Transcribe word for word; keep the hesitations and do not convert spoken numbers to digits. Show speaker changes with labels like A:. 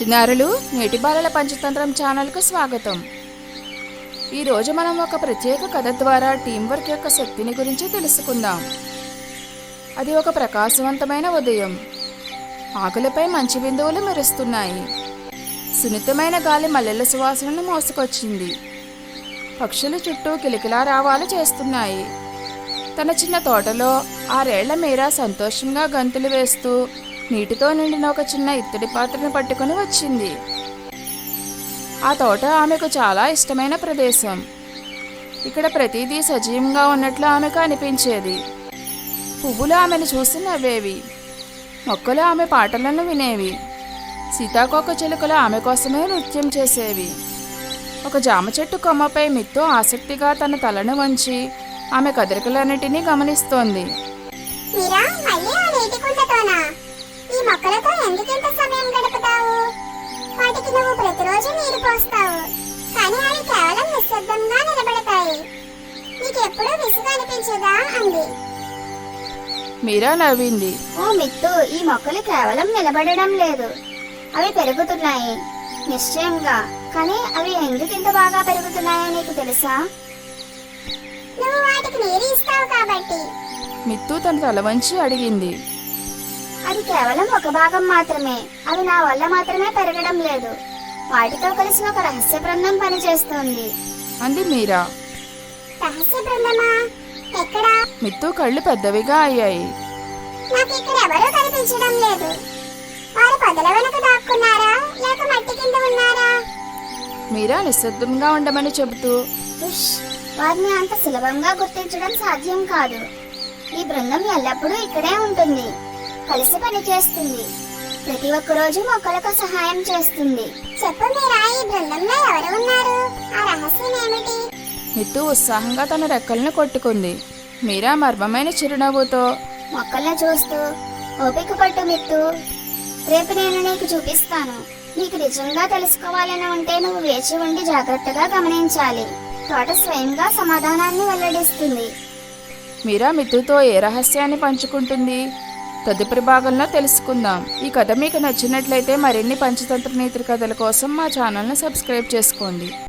A: చిన్నారులు నేటి బాలల పంచతంత్రం ఛానల్కు స్వాగతం. ఈరోజు మనం ఒక ప్రత్యేక కథ ద్వారా టీం వర్క్ యొక్క శక్తిని గురించి తెలుసుకుందాం. అది ఒక ప్రకాశవంతమైన ఉదయం. ఆకులపై మంచి బిందువులు మెరుస్తున్నాయి. సున్నితమైన గాలి మల్లెల సువాసనను మోసుకొచ్చింది. పక్షులు చుట్టూ కిలకిలా రావాలు చేస్తున్నాయి. తన చిన్న తోటలో ఆరేళ్ల మీరా సంతోషంగా గంతులు వేస్తూ నీటితో నిండిన ఒక చిన్న ఇత్తడి పాత్రను పట్టుకుని వచ్చింది. ఆ తోట ఆమెకు చాలా ఇష్టమైన ప్రదేశం. ఇక్కడ ప్రతిదీ సజీవంగా ఉన్నట్లు ఆమెకు అనిపించేది. పువ్వులు ఆమెను చూసి నవ్వేవి. మొక్కలు ఆమె పాటలను వినేవి. సీతాకోక చిలుకలు ఆమె కోసమే నృత్యం చేసేవి. ఒక జామ చెట్టు కొమ్మపై మిత్తు ఆసక్తిగా తన తలను వంచి ఆమె కదలికలన్నిటినీ గమనిస్తోంది.
B: ఈ మొక్కలతో ఎందుకింత సమయం గడుపుతావు? వాటికి నువ్వు ప్రతిరోజు నీరు పోస్తావు, కానీ అవి కేవలం నిశ్శబ్దంగా నిలబడతాయి. నీకెప్పుడూ విసుగు అనిపించదా అంది.
A: మీరా నవ్వింది.
B: ఓ మిత్తు, ఈ మొక్కలు కేవలం నిలబడడం లేదు, అవి పెరుగుతున్నాయి నిశ్చయంగా. కానీ అవి ఎందుకింత బాగా పెరుగుతున్నాయో నీకు తెలుసా? నువ్వు వాటికి నీరు ఇస్తావు కాబట్టి.
A: మిత్తు తన తల వంచి అడిగింది.
B: అది కేవలం ఒక భాగం మాత్రమే. అవి నా వల్ల మాత్రమే పెరగడం లేదు. వాటితో కలిసి ఒక రహస్య బృందం పనిచేస్తుంది
A: అంది మీరా.
B: రహస్య బృందమా? ఎక్కడా?
A: మిత్తు కళ్ళు పెద్దవిగా అయ్యాయి.
B: నాకు ఇక్కడ ఎవరూ కనిపించడం లేదు. వారు పొదల వెనక దాక్కున్నారా లేక మట్టి కింద ఉన్నారా?
A: మీరా నిశ్శబ్దంగా ఉండమని చెబుతూ,
B: వారిని అంత సులభంగా గుర్తించడం సాధ్యం కాదు. ఈ బృందం ఎల్లప్పుడూ ఇక్కడే ఉంటుంది, కలిసి పని చేస్తుంది, ప్రతి ఒక్క రోజు మొక్కలకు సహాయం చేస్తుంది. చెప్పు మీరా, ఈ బృందంలో ఎవరు ఉన్నారు? ఆ రహస్యం ఏమిటి?
A: మిత్తు ఉత్సాహంగా తన రెక్కలను కొట్టుకుంది. మీరా మర్మమైన చిరునవ్వుతో,
B: మొక్కలను చూస్తూ, ఓపిక పట్టు మిత్తు, రేపు నేను నీకు చూపిస్తాను. నీకు నిజంగా తెలుసుకోవాలని ఉంటే నువ్వు వేచి ఉండి జాగ్రత్తగా గమనించాలి. తోట స్వయంగా సమాధానాన్ని వెల్లడిస్తుంది.
A: మీరా మిత్తుతో ఏ రహస్యాన్ని పంచుకుంటుంది తదుపరి భాగంలో తెలుసుకుందాం. ఈ కథ మీకు నచ్చినట్లయితే మరిన్ని పంచతంత్ర నీతి కథల కోసం మా ఛానల్ని సబ్స్క్రైబ్ చేసుకోండి.